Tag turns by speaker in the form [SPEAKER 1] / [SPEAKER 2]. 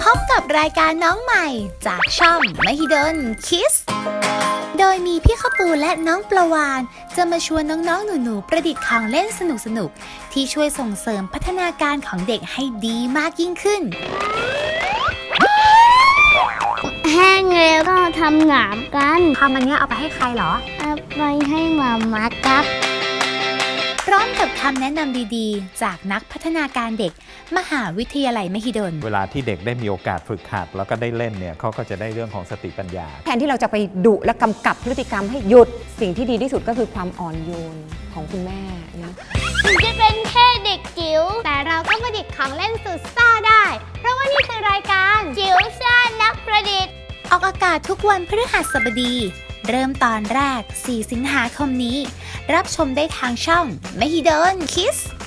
[SPEAKER 1] บกับรายการน้องใหม่จากช่องมหิดลคิสโดยมีพี่ข้าวปูและน้องปลาวานจะมาชวนน้องๆหนูๆประดิษฐ์ของเล่นสนุกๆที่ช่วยส่งเสริมพัฒนาการของเด็กให้ดีมากยิ่งขึ้น
[SPEAKER 2] แห้งแล้วก็ทำหนามกัน
[SPEAKER 1] ทำอันนี้เอาไปให้ใครเหรอ
[SPEAKER 2] เอาไปให้หมาม่าครับ
[SPEAKER 1] พร้อมกับคำแนะนำดีๆจากนักพัฒนาการเด็กมหาวิทยาลัยมหิดล
[SPEAKER 3] เวลาที่เด็กได้มีโอกาสฝึกหัดแล้วก็ได้เล่นเนี่ยเขาก็จะได้เรื่องของสติปัญญา
[SPEAKER 4] แทนที่เราจะไปดุและกำกับพฤติกรรมให้หยุดสิ่งที่ดีที่สุดก็คือความอ่อนโยนของคุณแม่นะ
[SPEAKER 2] ถึงจะเป็นแค่เด็กจิ๋วแต่เราก็ประดิษฐ์ของเล่นสุดซ่าได้เพราะว่านี่คือรายการจิ๋วซ่านักประดิษฐ์
[SPEAKER 1] ออกอากาศทุกวันพฤหัสบดีเริ่มตอนแรก4 สิงหาคมนี้รับชมได้ทางช่องมหิดลคิส